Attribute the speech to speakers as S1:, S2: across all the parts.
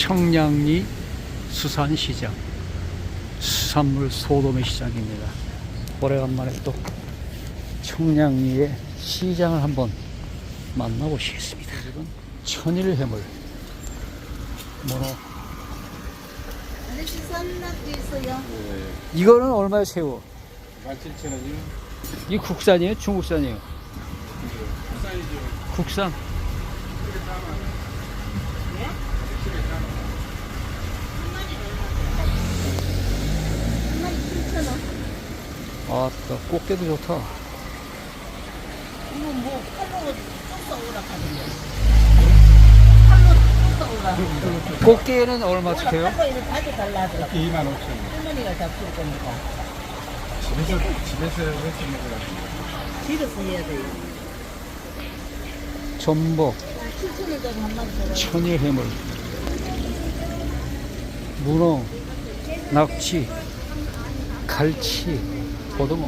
S1: 청량리 수산시장, 수산물 소도매 시장입니다. 오래간만에 또 청량리의 시장을 한번 만나보시겠습니다. 천일해물 문어.
S2: 아저씨 쌈낙도 있어요.
S1: 이거는 얼마에 새우?
S3: 17,000원이요?
S1: 이 국산이에요? 중국산이에요?
S3: 국산이죠.
S1: 국산.
S2: 한 마리 7,000원.
S1: 아따, 꽃게도 좋다.
S2: 이거 뭐 칼로 쪄서 오라 하던데. 칼로 쪄서 오라.
S1: 꽃게는 얼마씩해요?
S2: 칼로 이렇게 가져달라 하더라고.
S3: 25,000원.
S2: 할머니가 잡술 거니까.
S3: 집에서 해서 먹으라고.
S2: 집에서 해야 돼요.
S1: 전복,
S2: 7,000원짜리 한 마리 줘라.
S1: 천일해물, 문어, 낙지, 갈치, 고등어.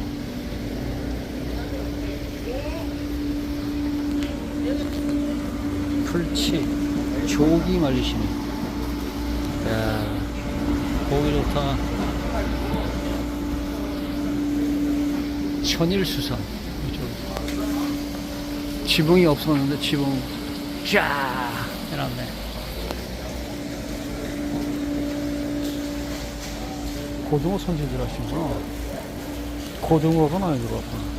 S1: 풀치, 조기 말리시네. 야, 고기 좋다. 천일수산. 이쪽. 지붕이 없었는데 지붕 쫙 해놨네. 고등어 손질들 하시구나. 고등어가 많이 들어왔구나.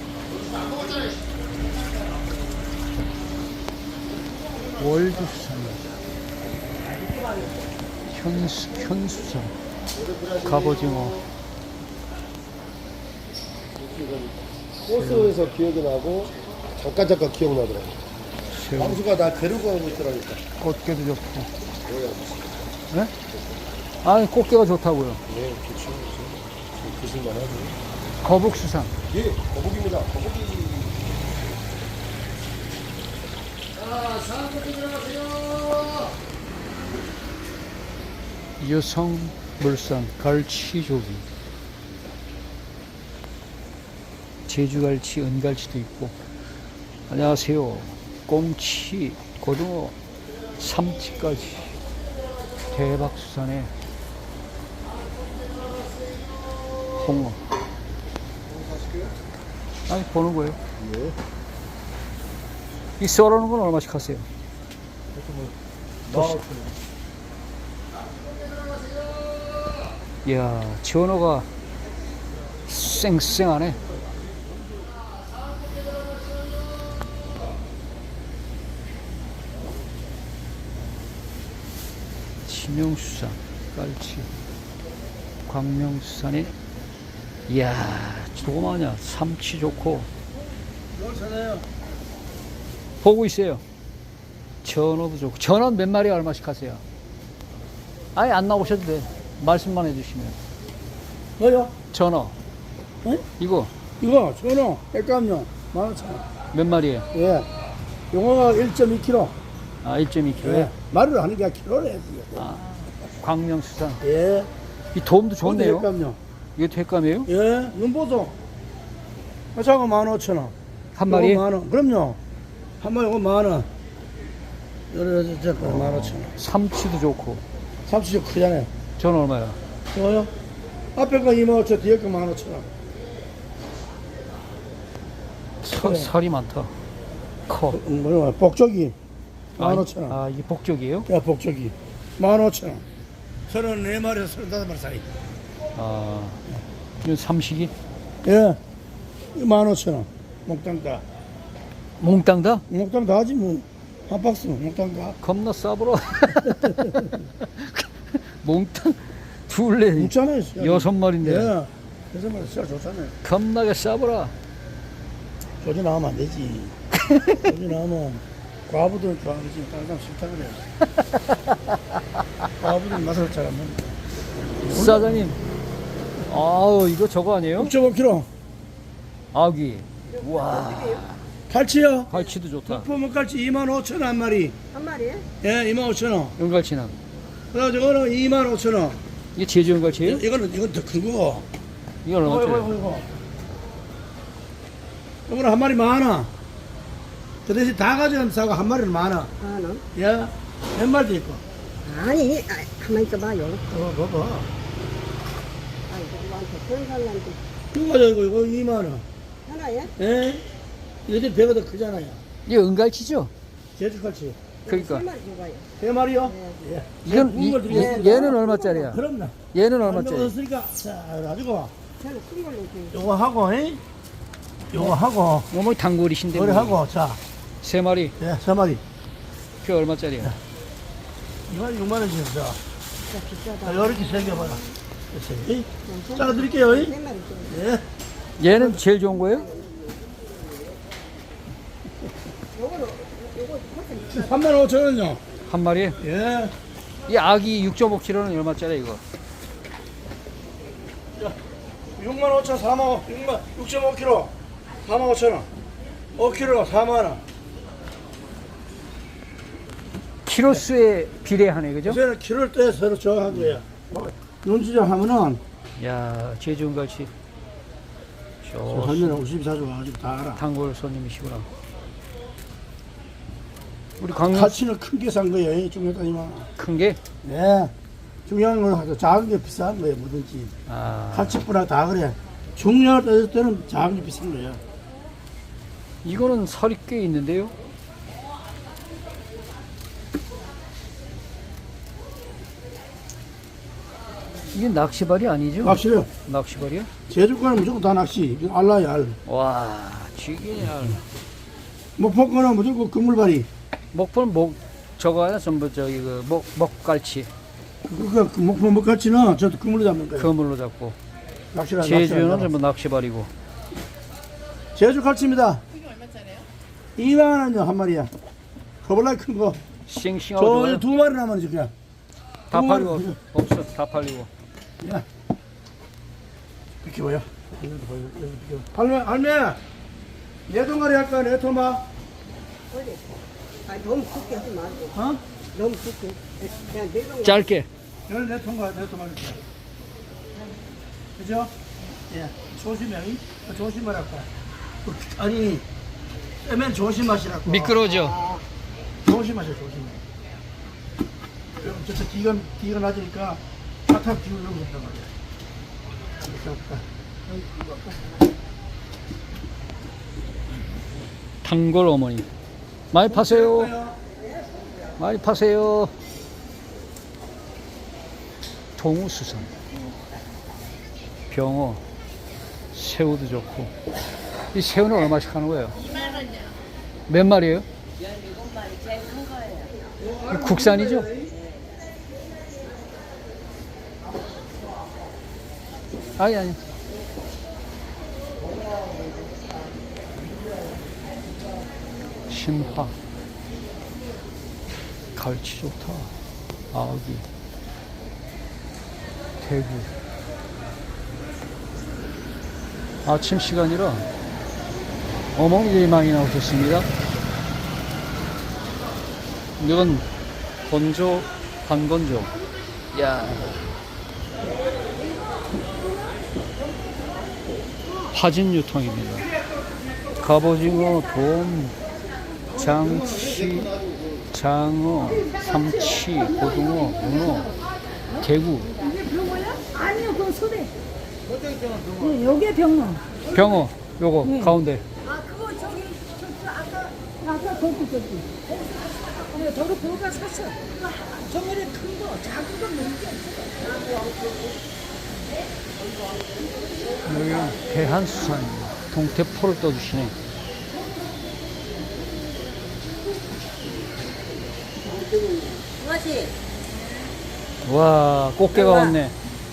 S1: 월주수산입니다. 현수산, 갑오징어.
S4: 버스에서 기억이 나고 잠깐 기억나더라고.
S1: 새우,
S4: 광수가 나 데리고 가고 있더라니까.
S1: 꽃게도 좋고. 네? 아니, 꽃게가 좋다고요.
S4: 네, 좋죠. 드실만 하죠.
S1: 거북수산.
S4: 예, 거북입니다. 거북이.
S1: 여성물산, 갈치조기. 제주갈치, 은갈치도 있고. 안녕하세요. 꽁치, 고등어, 삼치까지. 대박수산에 홍어. 아니, 보는 거예요.
S4: 예.
S1: 이 썰어놓은 건 얼마씩 하세요? 이야, 전어가 쌩쌩하네. 신용수산, 깔치, 광명수산에, 이야, 조그마냐. 삼치 좋고. 보고 있어요. 전어도 좋고. 전어는 몇 마리 얼마씩 하세요? 아예 안 나오셔도 돼. 말씀만 해주시면.
S5: 뭐요?
S1: 전어.
S5: 응?
S1: 이거
S5: 이거 전어 백감용 15,000원.
S1: 몇 마리예요?
S5: 예. 용어가 1.2kg.
S1: 아, 1.2kg.
S5: 예. 말을 하는 게 킬로래.
S1: 아, 광명수산.
S5: 예.
S1: 이 도움도 좋네요.
S5: 백감용.
S1: 이게 횟감이에요?
S5: 예. 눈보소. 저거 15,000원.
S1: 한 마리에?
S5: 만원. 그럼요. 한 마리 이거 만원. 여러 저 15,000원.
S1: 삼치도 좋고.
S5: 삼치 좀 크잖아요.
S1: 전어 얼마야?
S5: 이거요? 앞에 거 25,000원, 뒤에 거 15,000원. 그래.
S1: 살이 많다. 커.
S5: 뭐야? 복조기.
S1: 아,
S5: 15,000원.
S1: 아, 이게 복적이에요?
S5: 야, 복조기. 15,000원. 34마리에서 35마리 사이.
S1: 아, 이건 삼식이?
S5: 예. 15,000원. 몽땅 다.
S1: 몽땅 다?
S5: 몽땅 다 하지 뭐. 한 박스 몽땅 다.
S1: 겁나 싸버려. 몽땅 둘레
S5: 묵잖아요.
S1: 6마리인데
S5: 예. 6마리 진짜 좋잖아요.
S1: 겁나게 싸버려.
S5: 조지 나오면 안 되지. 조지 나오면 과부들 좋아하지. 다른 사람 싫다 그래. 과부들 맛을 잘 안 먹는다.
S1: 사장님, 아우, 이거 저거 아니에요?
S5: 6.5kg.
S1: 아기. 와,
S5: 갈치요.
S1: 갈치도 좋다.
S5: 푸문갈치 25,000원 한 마리.
S2: 한 마리에?
S5: 예, 25,000원.
S1: 은갈치는?
S5: 그 다음에 저거는 25,000원.
S1: 이게 제주 은갈치예요?
S5: 이건 더 큰 거.
S1: 이건 얼마짜리?
S5: 이거. 이거는 한 마리 10,000원. 그 대신 다 가져가면 싸고 한 마리는 10,000원.
S2: 만원.
S5: 예, 몇 마리도 있고.
S2: 아니, 가만히 있어봐요.
S5: 봐봐.
S2: 아니, 누구한테 그런 사람한테
S5: 이거 이거 2만 원.
S2: 하나야?
S5: 예? 얘들 배가 더 크잖아요.
S1: 이게 은갈치죠?
S5: 제주칼치.
S1: 그러니까.
S2: 3마리 줘봐요.
S5: 3마리요? 예.
S1: 이건
S5: 묵은 걸 드리겠습니다.
S1: 얘는 얼마짜리야?
S5: 그럼요.
S1: 얘는 얼마짜리?
S5: 없으니까 자 가지고
S2: 저는 큰 걸로 줘요.
S5: 요거 하고 요거 하고
S1: 어머니 단골이신데.
S5: 요리
S1: 뭐.
S5: 하고 자
S1: 세 마리.
S5: 예, 3마리.
S1: 그 얼마짜리야?
S5: 이거 6만 원씩 자.
S2: 진짜 비싸다.
S5: 자, 요렇게 새겨봐라. 이렇게. 잘라드릴게요.
S2: 3마리 줘요.
S5: 예.
S1: 얘는 제일 좋은 거예요?
S2: 요거는, 요거 훨씬
S5: 3만 5천 원요.
S1: 한 마리에?
S5: 예.
S1: 이 아기 6.5kg는 얼마짜리 이거?
S5: 6만 5천, 4만 5, 6만, 6.5kg. 4만 5천 원. 5kg가 4만 원.
S1: 키로수에 비례하네, 그죠?
S5: 요새는 키로를 떼서 서로 정한 거야. 눈치장 하면은
S1: 야, 제주 은갈치.
S5: 할머니 54조 와가지고 다 알아.
S1: 단골 손님이시구나. 우리 강릉
S5: 가치는 큰 게 산 거예요. 중요하다니만.
S1: 큰 게?
S5: 네. 중요한 건 하죠. 작은 게 비싼 거예요. 뭐든지.
S1: 아,
S5: 가치뿐나 다 그래. 중요할 따질 때는 작은 게 비싼 거예요.
S1: 이거는 살이 꽤 있는데요? 이게 낚시발이 아니죠?
S5: 낚시요.
S1: 낚시발이요?
S5: 제주권은 무조건 다 낚시. 이거 알라야 알.
S1: 와, 쥐기냐.
S5: 목포권은 무조건 그물발이.
S1: 목포는 저거야, 전부 저기 먹갈치.
S5: 그 목포 먹같이는 저도 그물로 잡는 거예요.
S1: 그물로 잡고.
S5: 낚시를
S1: 제주는 전부 낚시발이고.
S5: 제주 갈치입니다. 이게 얼마짜리요? 2만 원요 한 마리야. 커벌라 큰 거.
S1: 싱싱하고
S5: 저
S1: 좋아요.
S5: 2마리 남았지 그냥.
S1: 다
S5: 두
S1: 팔리고
S5: 마리.
S1: 없어. 다 팔리고.
S5: 야. 이렇게 보여. 할매. 내 동아리 할까 내 토마?
S2: 올려. 아니, 너무 크게 하지 말고.
S5: 어?
S2: 너무 크게. 그냥 내가
S1: 짧게.
S5: 여기 내 통과 내 토마 이렇게. 그죠? 예. 조심해. 조심하라고. 아니. 빼면 조심하시라고.
S1: 미끄러져.
S5: 조심하세요, 조심해. 저쪽 뒤가 낮으니까 탁탁 기울려고 한단 말이야.
S1: 단골 어머니. 많이 파세요. 많이 파세요. 동우수산. 병어. 새우도 좋고. 이 새우는 얼마씩 하는 거예요?
S2: 2만 원이요.
S1: 몇 마리예요?
S2: 17마리 제일 큰 거예요.
S1: 국산이죠? 아니. 신화. 갈치 좋다. 아기. 대구. 아침 시간이라 어머니들이 많이 나오셨습니다. 이건 건조, 반건조. 야. 파진 유통입니다. 갑오징어, 돔, 장치, 장어, 삼치, 고등어, 문어, 대구,
S6: 아니요, 그거 소대. 네, 요게 병어.
S1: 병어, 요거
S6: 네.
S1: 가운데.
S6: 아, 그거 저기 아까 거기. 네, 저거 그거가 샀어. 저번에 큰 거, 작은 건 너무
S1: 여기는 대한수산입니다. 동태포를 떠주시네.
S2: 무엇이?
S1: 와, 꽃게가 왔네.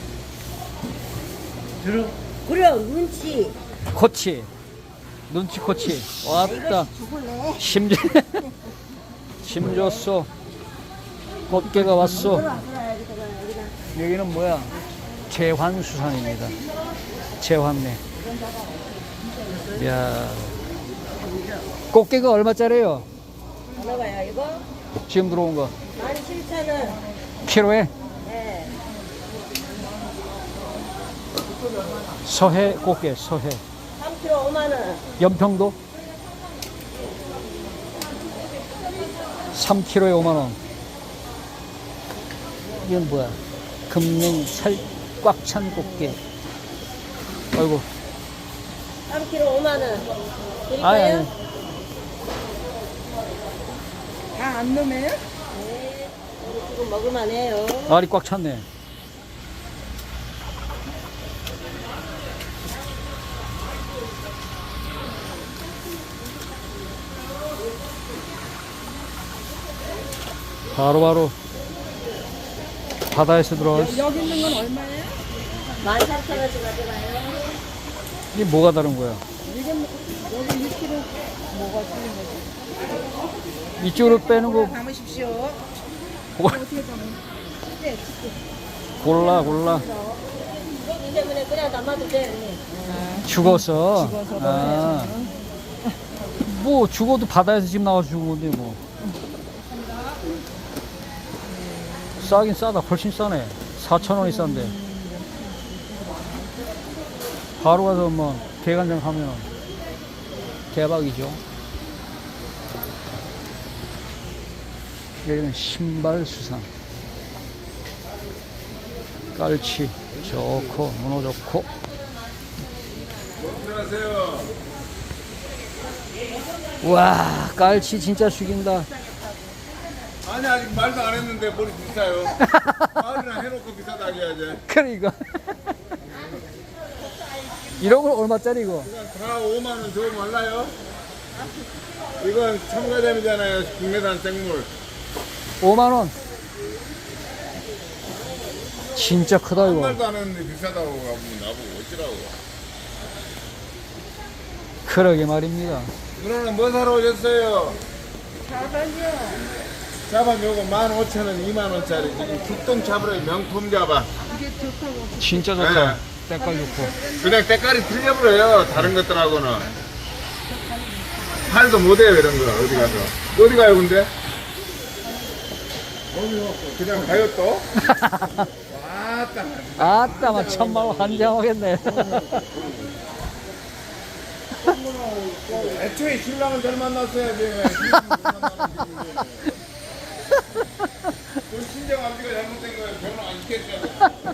S2: 그래, 눈치.
S1: 코치, 눈치 코치. 왔다.
S2: 죽을래?
S1: 힘 줬어. 꽃게가 왔어.
S2: 여기다.
S1: 여기는 뭐야? 제환수산입니다. 제환네. 이야. 꽃게가 얼마짜리예요?
S2: 얼마가요, 이거?
S1: 지금 들어온 거.
S2: 17,000원.
S1: 키로에?
S2: 네.
S1: 서해 꽃게, 서해.
S2: 3kg 5만원.
S1: 연평도? 3kg에 5만 원. 이건 뭐야? 금냉 살 꽉 찬 꽃게. 아이고.
S2: 3kg 5만 원. 드릴까요?
S1: 아니.
S6: 다 안 넣으면?
S2: 네. 오늘 지금 먹을만해요.
S1: 알이 꽉 찼네. 바로바로 바다에서 들어올
S6: 여기 있는 건 얼마예요?
S2: 13,000원씩 가져가요.
S1: 이게 뭐가 다른 거야?
S6: 이건 여기 6kg 뭐가 틀린 거지?
S1: 이쪽으로 빼는 거
S6: 담으십시오.
S1: 뭐-
S6: 어떻게 담으? 네,
S1: 골라
S2: 이 때문에 그냥 담아도 돼.
S1: 죽어서.
S6: 죽어서
S1: 아. 뭐 죽어도 바다에서 지금 나와서 죽은 건데 뭐. 싸긴 싸다. 훨씬 싸네. 4,000원이 싼데. 바로 가서 뭐 대간장 하면 대박이죠. 여기는 신발 수산. 깔치 좋고 문어 좋고.
S3: 안녕하세요.
S1: 와 깔치 진짜 죽인다.
S3: 아니 아직 말도 안 했는데 머리 비싸요. 말이나 해놓고 비싸다 해야지.
S1: 그러니까 이런 건 얼마짜리 이거?
S3: 그냥 다 5만 원 줘 말라요. 이건 첨가점이잖아요. 국내산 생물.
S1: 5만 원. 진짜 크다
S3: 한
S1: 이거.
S3: 말도 안 했는데 비싸다고 가면 나보고 어찌라고.
S1: 그러게 말입니다.
S3: 누나는 뭐 사러 오셨어요? 자반 요거 15,000원, 2만원짜리. 지금 죽동 잡으러 명품 자반.
S1: 진짜 좋다. 때깔 좋고.
S3: 그냥 때깔이 틀려버려요. 다른 것들하고는. 팔도 못해요, 이런 거. 어디 가서. 어디 가요, 근데? 그냥 가요, 또? 왔다.
S1: 아따, 막 천만원 환장하겠네.
S3: 애초에 신랑은 잘 만났어야지. 그 친정 아버지가 잘못된 거예요. 결혼 안 시켰잖아요.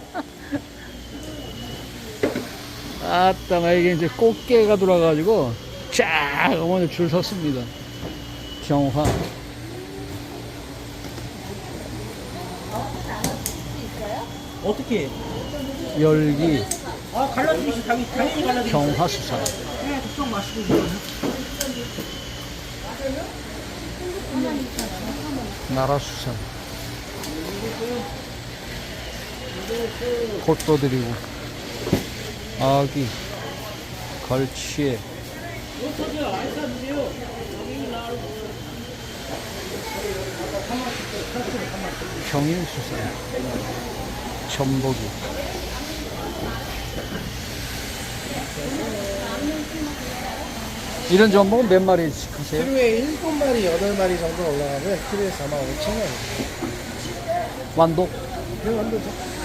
S1: 아따, 막 이게 이제 꽃게가 들어와가지고, 쫙, 어머니 줄 섰습니다. 경화.
S5: 어떻게?
S1: 열기,
S5: 아 갈라주시 당연히 갈라주시.
S1: 경화수산.
S5: 그냥 걱정 마시고.
S1: 나라수산. 콧도 드리고. 아기, 걸치에. 평일수산. 전복이. 이런 전복은 몇 마리씩 하세요?
S4: 키로에 7마리, 8마리 정도 올라가면 키로에 45,000원.
S1: 완독?
S4: 그 정도죠.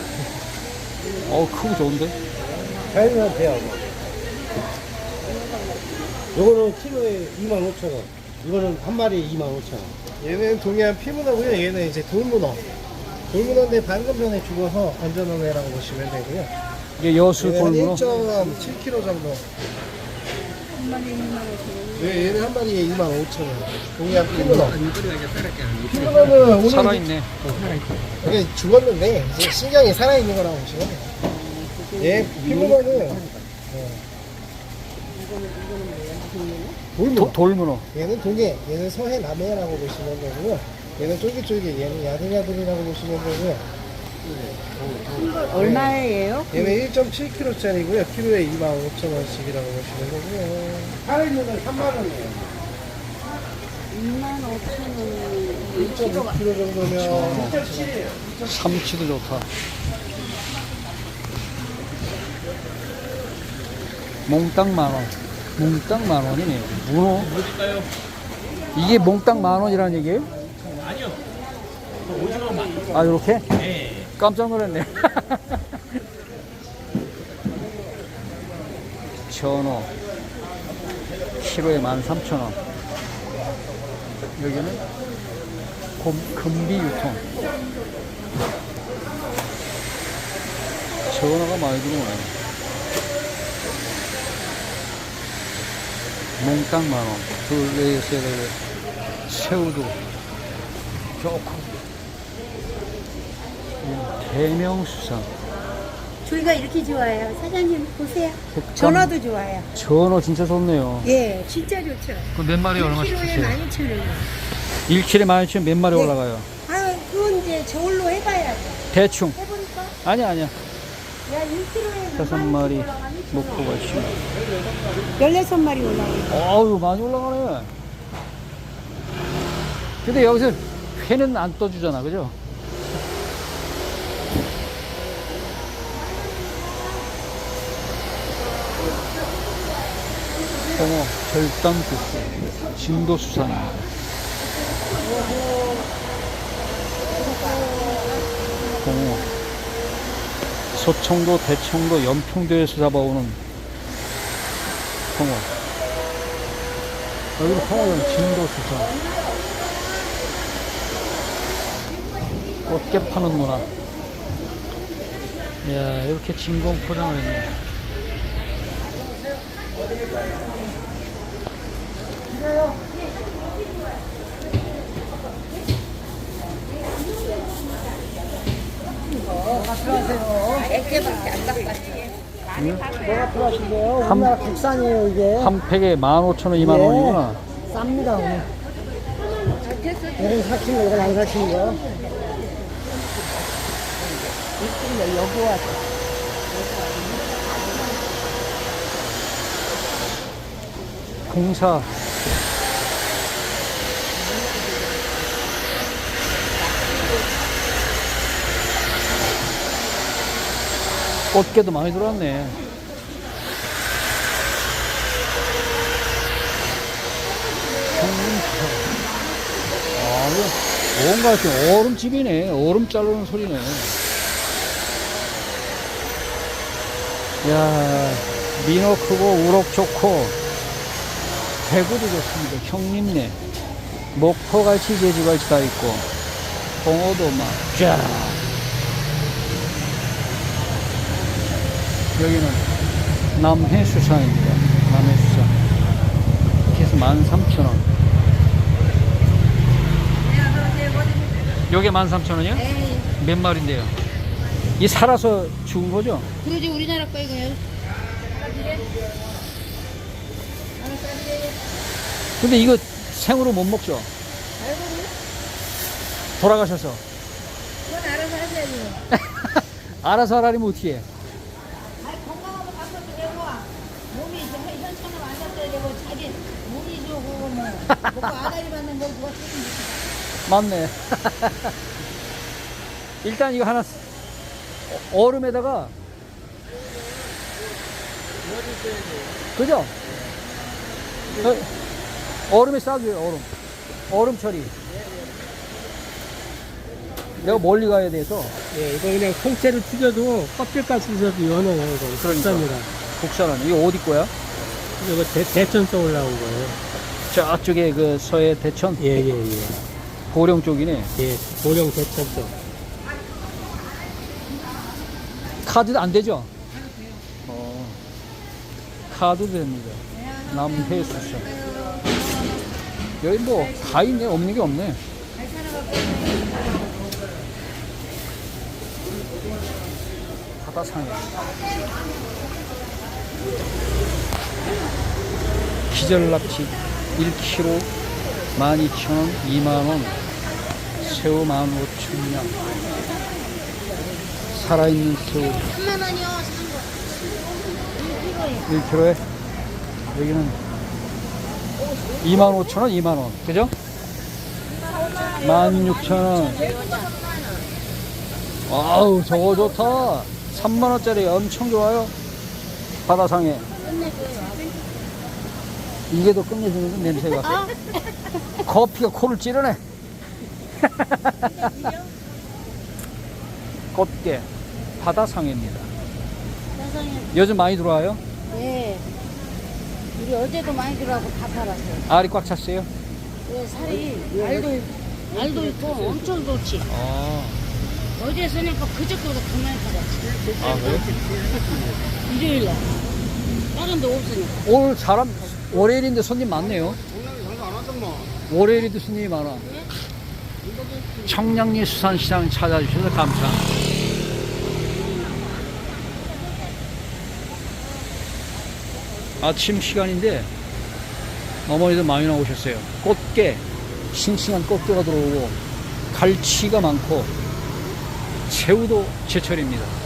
S1: 크고 좋은데?
S4: 자연산 대하고. 요거는 키로에 25,000원. 이거는 한 마리에 25,000원. 얘는 동해안 피문어고요. 얘는 이제 돌문어. 돌문어인데 방금 전에 죽어서 건져놓은 애라고 보시면 되고요.
S1: 이게 여수
S4: 얘는
S1: 돌문어?
S4: 1.7kg 정도. 네, 얘는 한 마리에 25,000원. 동해안 피문어. 피문어는 오늘
S1: 살아있네.
S4: 이게 죽었는데 이제 신경이 살아있는 거라고 보시면 돼요. 얘 피문어는 돌문어.
S1: 돌문어.
S4: 얘는 동해, 얘는 서해 남해라고 보시면 되고요. 얘는 쫄깃쫄깃, 얘는 야들야들이라고 보시면 되고요.
S2: 얼마예요?
S4: 얘는 1.7kg짜리고요. 키로에 25,000원씩이라고 보시면 되고요. 살아있는 건 3만원이에요.
S2: 25,000원.
S4: 1.5kg 정도면
S1: 삼치도 좋다. 몽땅 만원. 몽땅 만원이네. 문어. 이게 몽땅 만원이라는 얘기예요? 아니요. 아, 요렇게? 네. 깜짝 놀랐네. 전어. 키로에 13,000원. 여기는 금비 유통. 전화가 많이 들어오네. 몽땅 만원. 둘, 넷, 셋, 넷. 새우도 좋고. 대명수산.
S7: 조이가 이렇게 좋아요. 사장님 보세요.
S1: 흑감.
S7: 전화도 좋아요.
S1: 전어 진짜 좋네요.
S7: 예, 진짜 좋죠.
S1: 그 몇 마리 얼마씩
S7: 1kg에
S1: 주세요?
S7: 12,000원.
S1: 1kg에 12,000원 몇 마리
S7: 네.
S1: 올라가요?
S7: 아, 그건 이제 저울로 해봐야죠.
S1: 대충.
S7: 해보니까
S1: 아니야.
S7: 야 1kg에
S1: 5마리 목포가 있지.
S7: 16마리 올라와요.
S1: 어우, 많이 올라가네. 근데 여기서 회는 안 떠주잖아, 그죠? 홍어, 절단국수, 진도수산입니다. 홍어, 서청도, 대청도, 연평도에서 잡아오는 홍어. 여기는 홍어는 진도수산. 꽃게 파는 문화. 이야, 이렇게 진공 포장을 했네.
S2: 뭐가 필요하신데요? 우리나라 국산이에요, 이게.
S1: 한 팩에 15,000원, 20,000원이구나.
S2: 쌉니다, 오늘. 이건 사신 거, 이건 안 사신 거. 이쪽에 여기 와서.
S1: 공사. 꽃게도 많이 들어왔네. 아, 이거 뭔가 이렇게 얼음집이네. 얼음 자르는 소리네. 야, 민어 크고 우럭 좋고 대구도 좋습니다. 형님네 목포갈치 제주갈치 다 있고 홍어도 막 쫙. 여기는 남해수산입니다. 남해수산 이렇게 해서 13,000원. 요게 13,000원이요?
S7: 네.
S1: 몇 마리인데요? 이 살아서 죽은 거죠?
S7: 그러지 우리나라 거 이거요.
S1: 근데 이거 생으로 못 먹죠? 돌아가셔서.
S7: 그건 알아서 하셔야죠.
S1: 알아서 하라면 어떻게 해?
S7: 아니 건강하고 바꿔도 되고 몸이 현천으로 앉았어야 되고 자기 몸이 좋고 뭐 먹고 아다리 받는 걸 누가 책임지지.
S1: 맞네. 일단 이거 하나 얼음에다가 그죠? 얼음에 싸줘요. 얼음 처리. 내가 멀리 가야 돼서.
S4: 예, 이거 그냥 통째로 튀겨도 껍질까지 찢어도 연어예요, 이거. 국산이라.
S1: 국산은 이거 어디 거야?
S4: 이거 대천서 올라온 거예요.
S1: 저쪽에 그 서해 대천
S4: 예.
S1: 보령 쪽이네.
S4: 예, 보령 대천서.
S1: 카드도 안 되죠? 카드도 됩니다. 남해수산. 여기 뭐 다 있네. 없는 게 없네. 바다상에 기절납치 1kg 12,000원, 2만원, 새우 15,000원. 살아있는 새우
S7: 3만 원이요.
S1: 1kg에 여기는 25,000원, 2만원. 그죠? 16,000원. 아우, 저거 좋다. 3만원짜리 엄청 좋아요. 바다상에. 이게 더 끝내주는 냄새가. 커피가 코를 찌르네. 꽃게. 바다상해입니다. 요즘 많이 들어와요?
S7: 네. 우리 어제도 많이 들어가고 다 팔았어요.
S1: 알이 꽉 찼어요?
S7: 왜 살이 알도 있고 엄청 좋지.
S1: 아,
S7: 어제 서니까 그저께보다 더 많이 팔아.
S1: 아, 그래요?
S7: 일요일날. 다른 데 없으니까.
S1: 오늘 사람, 월요일인데 손님 많네요. 월요일에도 손님이 많아. 청량리 수산시장 찾아주셔서 감사. 아침 시간인데 어머니도 많이 나오셨어요. 꽃게, 싱싱한 꽃게가 들어오고 갈치가 많고 새우도 제철입니다.